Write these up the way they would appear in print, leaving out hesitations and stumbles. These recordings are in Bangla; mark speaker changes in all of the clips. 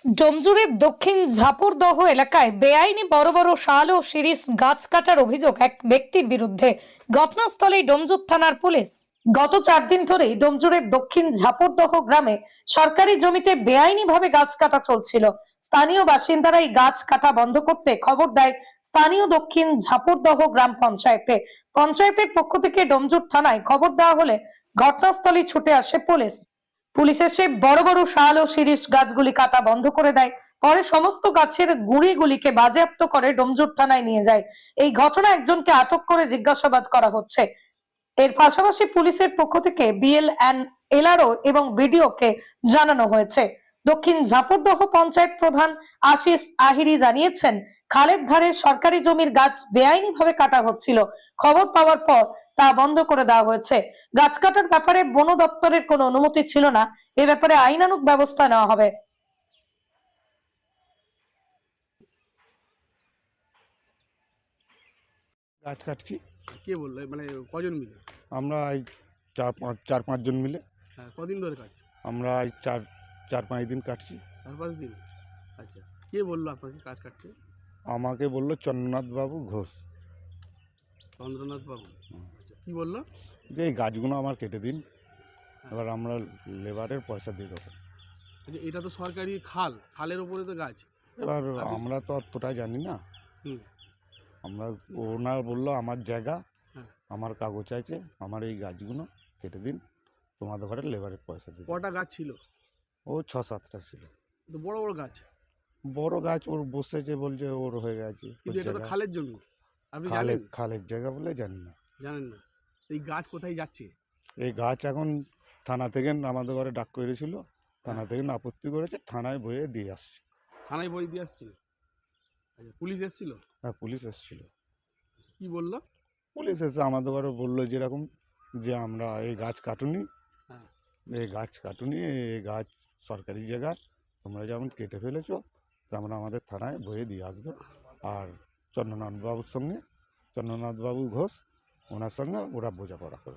Speaker 1: ডোমজুরের দক্ষিণ ঝাপুরদহ এলাকায় বেআইনি বড় বড় শাল ও শিরীষ গাছ কাটার অভিযোগ এক ব্যক্তির বিরুদ্ধে। ঘটনাস্থলেই ডোমজুর থানার পুলিশ। গত 4 দিন ধরেই ডোমজুরের দক্ষিণ ঝাপুরদহ গ্রামে সরকারি জমিতে বেআইনিভাবে গাছ কাটা চলছিল। স্থানীয় বাসিন্দারা এই গাছ কাটা বন্ধ করতে খবর দেয় স্থানীয় দক্ষিণ ঝাপুরদহ গ্রাম পঞ্চায়েতে। পঞ্চায়েতের পক্ষ থেকে ডোমজুর থানায় খবর দেওয়া হলে ঘটনাস্থলে ছুটে আসে পুলিশ। পুলিশ এসে বড় বড় শাল ও শিরীষ গাছগুলি কাটা বন্ধ করে দেয়। পরে সমস্ত গাছের গুঁড়িগুলিকে বাজেয়াপ্ত করে ডোমজুর থানায় নিয়ে যায়। এই ঘটনায় একজনকে আটক করে জিজ্ঞাসাবাদ করা হচ্ছে। এর পাশাপাশি পুলিশের পক্ষ থেকে বিএলএন, এলআরও এবং বিডিওকে জানানো হয়েছে। দক্ষিণ ঝাপুরদহ পঞ্চায়েত প্রধান আশিস আহিরি জানিয়েছেন, খালের ধারে সরকারি জমির গাছ বেআইনিভাবে কাটা হচ্ছিল। খবর পাওয়ার পর তা বন্ধ করে দেওয়া হয়েছে। গাছ কাটার ব্যাপারে বন দপ্তরের কোনো অনুমতি ছিল না। এ ব্যাপারে আইনানুগ ব্যবস্থা নেওয়া হবে।
Speaker 2: গাছ কাটছি।
Speaker 3: কে বললো? মানে কজন মিলে?
Speaker 2: আমরা এই চার পাঁচ জন মিলে।
Speaker 3: হ্যাঁ, কদিন ধরে কাজ?
Speaker 2: আমরা এই চার পাঁচ দিন কাটছি।
Speaker 3: 4-5 দিন। আচ্ছা, কে বললো আপনাকে কাজ কাটতে?
Speaker 2: আমাকে বললো চন্দ্রনাথ বাবু ঘোষ।
Speaker 3: চন্দ্রনাথ বাবু। আচ্ছা, কি বললো?
Speaker 2: যে এই গাছগুলো আমার কেটে দিন, এবার আমরা লেবারের পয়সা দিয়ে দেবো।
Speaker 3: আচ্ছা, এটা তো সরকারি খাল, খালের ওপরে তো গাছ।
Speaker 2: এবার আমরা তো অতটা জানি না।
Speaker 3: হুম।
Speaker 2: আমরা ওনার বললো আমার জায়গা,
Speaker 3: হ্যাঁ।
Speaker 2: আমার কাগজ আছে, আমার এই গাছগুলো কেটে দিন, তোমাদের ঘরে লেবারের পয়সা দিয়ে দেবো।
Speaker 3: কটা গাছ ছিল?
Speaker 2: ও 6-7টা ছিল।
Speaker 3: তো বড় বড় গাছ।
Speaker 2: বড় গাছ ওর বসেছে, বলছে ওর হয়ে গেছে।
Speaker 3: কিন্তু এটা তো খালের জমি, আপনি
Speaker 2: খালের
Speaker 3: জানেন?
Speaker 2: খালের জায়গা বলে জানি না।
Speaker 3: জানেন না? এই গাছ কোথায় যাচ্ছে?
Speaker 2: এই গাছ এখন থানা থেকে আমাদের ঘরে ডাক করেছিল, থানা থেকে আপত্তি করেছে, থানায় বয়ে দিয়ে আসছে।
Speaker 3: থানায় বই দিয়ে আসছিল? আচ্ছা, পুলিশ এসেছিল?
Speaker 2: হ্যাঁ, পুলিশ এসেছিল।
Speaker 3: কি বললো?
Speaker 2: পুলিশ এসে আমাদের ঘরে বললো যেরকম যে আমরা এই গাছ কাটুনি,
Speaker 3: হ্যাঁ।
Speaker 2: এই গাছ কাটুনি, এই গাছ সরকারি জায়গা, তোমরা যেমন কেটে ফেলেছো তেমন আমাদের থানায় বয়ে দিয়ে আসবে। আর চন্দ্রনাথ বাবু ঘোষ, ওনার সঙ্গে ওরা বোঝাপড়া করে।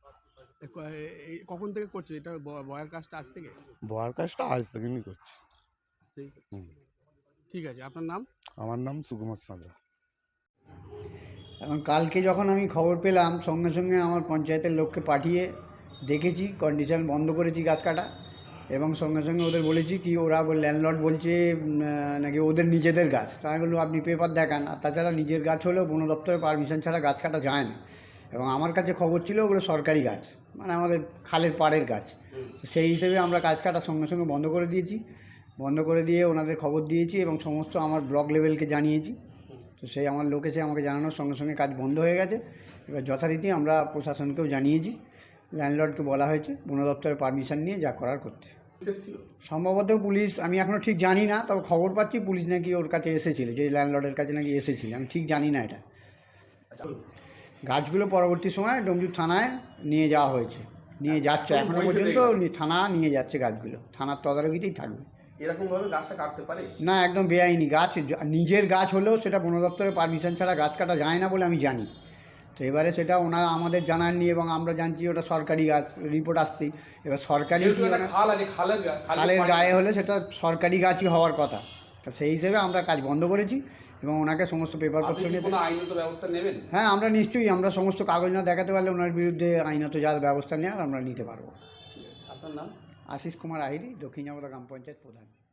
Speaker 3: কখন থেকে করছে এটা? বয়ের কাজটা আজ থেকে?
Speaker 2: বয়ার কাজটা আজ থেকে করছি। হুম।
Speaker 3: ঠিক আছে, আপনার নাম?
Speaker 2: আমার নাম সুকুমার সাঁতরা।
Speaker 4: এখন কালকে যখন আমি খবর পেলাম, সঙ্গে সঙ্গে আমার পঞ্চায়েতের লোককে পাঠিয়ে দেখেছি, কন্ডিশন বন্ধ করেছি গাছ কাটা, এবং সঙ্গে সঙ্গে ওদের বলেছি কি ওরা ল্যান্ডলর্ড বলছে নাকি ওদের নিজেদের গাছ। তা আমি বললাম আপনি পেপার দেখান। আর তাছাড়া নিজের গাছ হলেও বন দপ্তরের পারমিশন ছাড়া গাছ কাটা যায় না। এবং আমার কাছে খবর ছিল ওগুলো সরকারি গাছ, মানে আমাদের খালের পাড়ের গাছ। তো সেই হিসেবে আমরা গাছ কাটার সঙ্গে সঙ্গে বন্ধ করে দিয়েছি। বন্ধ করে দিয়ে ওনাদের খবর দিয়েছি এবং সমস্ত আমার ব্লক লেভেলকে জানিয়েছি। তো সেই আমার লোক এসে আমাকে জানানোর সঙ্গে সঙ্গে কাজ বন্ধ হয়ে গেছে। এবার যথারীতি আমরা প্রশাসনকেও জানিয়েছি, ল্যান্ডলর্ডকে বলা হয়েছে বন দপ্তরের পারমিশন নিয়ে যা করার করতে। সম্ভবত পুলিশ, আমি এখনও ঠিক জানি না, তবে খবর পাচ্ছি পুলিশ নাকি ওর কাছে এসেছিল, যে ল্যান্ডলর্ডের কাছে নাকি এসেছিল। আমি ঠিক জানি না এটা। গাছগুলো পরবর্তী সময় ডোমজুর থানায় নিয়ে যাওয়া হয়েছে, নিয়ে যাচ্ছে, এখনও পর্যন্ত থানা নিয়ে যাচ্ছে গাছগুলো, থানার তদারকিতেই থাকবে।
Speaker 3: এরকমভাবে গাছটা কাটতে পারে
Speaker 4: না, একদম বেআইনি গাছ। নিজের গাছ হলেও সেটা বন দপ্তরের পারমিশন ছাড়া গাছ কাটা যায় না বলে আমি জানি। তো এবারে সেটা ওনারা আমাদের জানাননি এবং আমরা জানছি ওটা সরকারি গাছ, রিপোর্ট আসছেই। এবার সরকারি খালের গায়ে হলে সেটা সরকারি গাছই হওয়ার কথা। তো সেই হিসেবে আমরা কাজ বন্ধ করেছি এবং ওনাকে সমস্ত পেপারপত্র নিয়ে
Speaker 3: আইনত ব্যবস্থা নেবেন?
Speaker 4: হ্যাঁ, আমরা নিশ্চয়ই, আমরা সমস্ত কাগজ না দেখাতে পারলে ওনার বিরুদ্ধে আইনত যা ব্যবস্থা নেওয়ার আমরা নিতে পারবো।
Speaker 3: আপনার নাম?
Speaker 4: আশিস কুমার আহিরি, দক্ষিণ ঝাপুরদহ গ্রাম পঞ্চায়েত প্রধান।